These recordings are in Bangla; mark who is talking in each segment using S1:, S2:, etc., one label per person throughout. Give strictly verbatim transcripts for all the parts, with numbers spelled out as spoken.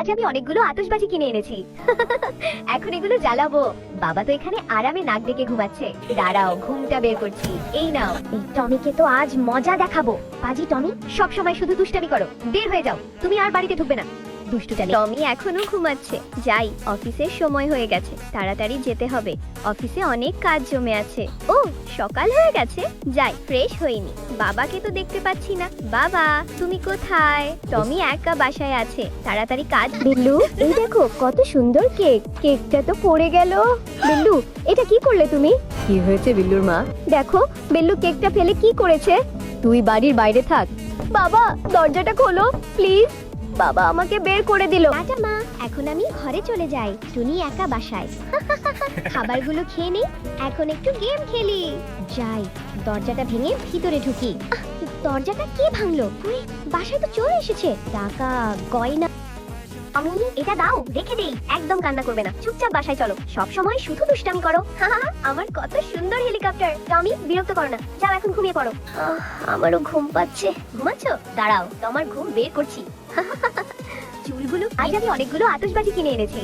S1: আজ আমি অনেকগুলো আতশবাজি কিনে এনেছি। এখন এগুলো জ্বালাবো। বাবা তো এখানে আরামে নাক ডেকে ঘুমাচ্ছে। দাঁড়াও, ঘুমটা বের করছি। এই নাও, এই টমিকে তো আজ মজা দেখাবো। পাজি টমি, সব সময় শুধু দুষ্টামি করো। বের হয়ে যাও, তুমি আর বাড়িতে ঢুকবে না। টমি এখনো ঘুমাচ্ছে। যাই, অফিসের সময় হয়ে গেছে, তাড়াতাড়ি যেতে হবে। অফিসে অনেক কাজ জমে আছে। ও, সকাল হয়ে গেছে। যাই, ফ্রেশ হইনি। বাবাকে তো দেখতে পাচ্ছি না। বাবা, তুমি কোথায়? টমি একা বাসায় আছে, তাড়াতাড়ি কাজ।
S2: বিল্লু, এই দেখো কত সুন্দর কেক। কেকটা তো পড়ে গেল। বিল্লু, এটা কি করলে তুমি?
S3: কি হয়েছে বিল্লুর মা?
S2: দেখো, বিল্লু কেকটা ফেলে কি করেছে।
S3: তুই বাড়ির বাইরে থাক।
S2: বাবা, দরজাটা খোলো প্লিজ। বাবা আমাকে বের করে দিল।
S1: টাটা মা, এখন আমি ঘরে চলে যাই। টুনি একা বাসায়। খাবারগুলো খেয়ে নেই, এখন একটু গেম খেলি। যাই, দরজাটা ভেঙে ভিতরে ঢুকি। আহ, দরজাটা কে ভাঙলো? উই, বাসায় তো চোর এসেছে। টাকা, গয়না। আমি এটা দাও, রেখে দেই। একদম কান্না করবে না, চুপচাপ বাসায় চলো। সব সময় শুধু দুষ্টামি করো। আমার কত সুন্দর হেলিকপ্টার। টমি, বিরক্ত করো না, যাও এখন ঘুমিয়ে পড়ো। আহ, আমারও ঘুম পাচ্ছে। ঘুমাচ্ছো? দাঁড়াও, তোমার ঘুম বের করছি। চুলগুলো, আজ আমি অনেকগুলো আতশবাজি কিনে এনেছি।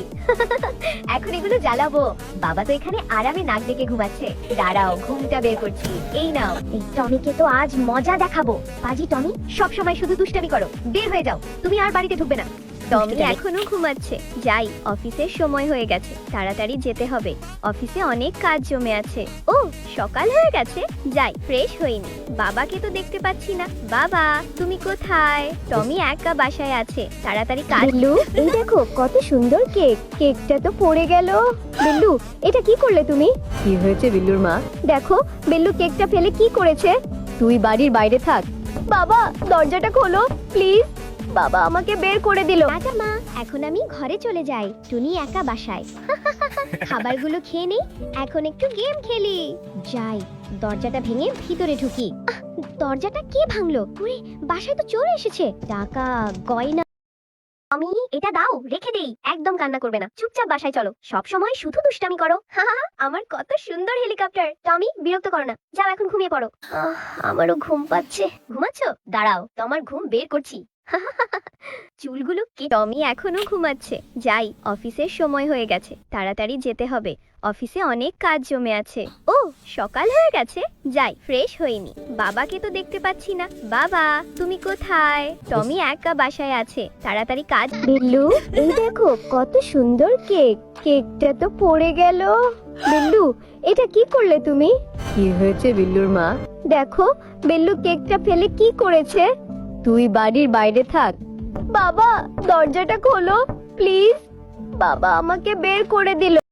S1: এখন এগুলো জ্বালাবো। বাবা তো এখানে আরামে নাক ডেকে ঘুমাচ্ছে। দাঁড়াও, ঘুমটা বের করছি। এই নাও, এই টমিকে তো আজ মজা দেখাবো। পাজি টমি, সব সময় শুধু দুষ্টামি করো। বের হয়ে যাও, তুমি আর বাড়িতে ঢুকবে না। টমি এখনো ঘুমাচ্ছে। যাই, অফিসের সময় হয়ে গেছে, তাড়াতাড়ি যেতে হবে। অফিসে অনেক কাজ জমে আছে। ও, সকাল হয়ে গেছে। যাই, ফ্রেশ হইনি। বাবাকে তো দেখতে পাচ্ছি না। বাবা, তুমি কোথায়? টমি একা বাসায় আছে, তাড়াতাড়ি কাজ।
S2: বিল্লু, এই দেখো কত সুন্দর কেক। কেকটা তো পড়ে গেল। বিল্লু, এটা কি করলে তুমি?
S3: কি হয়েছে বিল্লুর মা?
S2: দেখো, বিল্লু কেকটা ফেলে কি করেছে।
S3: তুই বাড়ির বাইরে থাক।
S2: বাবা, দরজাটা খোলো প্লিজ। বাবা আমাকে বের করে দিল।
S1: টাটা মা, এখন আমি ঘরে চলে যাই। টুনি একা বাসায়। খাবারগুলো খেয়ে নেই, এখন একটু গেম খেলি। যাই, দরজাটা ভেঙে ভিতরে ঢুকি। আহ, দরজাটা কে ভাঙলো? উই, বাসায় তো চোর এসেছে। টাকা, গয়না। আমি এটা দাও, রেখে দেই। একদম কান্না করবে না, চুপচাপ বাসায় চলো। সব সময় শুধু দুষ্টামি করো। আমার কত সুন্দর হেলিকপ্টার। টমি, বিরক্ত করো না, যাও এখন ঘুমিয়ে পড়ো। আহ, আমারও ঘুম পাচ্ছে। ঘুমাচ্ছো? দাঁড়াও, তোমার ঘুম বের করছি। চুলগুলো কে? টমি এখনো ঘুমাচ্ছে। যাই, অফিসের সময় হয়ে গেছে, তাড়াতাড়ি যেতে হবে। অফিসে অনেক কাজ জমে আছে। ও, সকাল হয়ে গেছে। যাই, ফ্রেশ হইনি। বাবাকে তো দেখতে পাচ্ছি না। বাবা, তুমি কোথায়? টমি একা বাসায় আছে, তাড়াতাড়ি কাজ।
S2: বিল্লু, এই দেখো কত সুন্দর কেক। কেকটা তো পড়ে গেল। বিল্লু, এটা কি করলে তুমি?
S3: কি হয়েছে বিল্লুর মা?
S2: দেখো, বিল্লু কেকটা ফেলে কি করেছে।
S3: তুই বাড়ির বাইরে থাক।
S2: বাবা, দরজাটা খোলো প্লিজ। বাবা আমাকে বের করে দিল।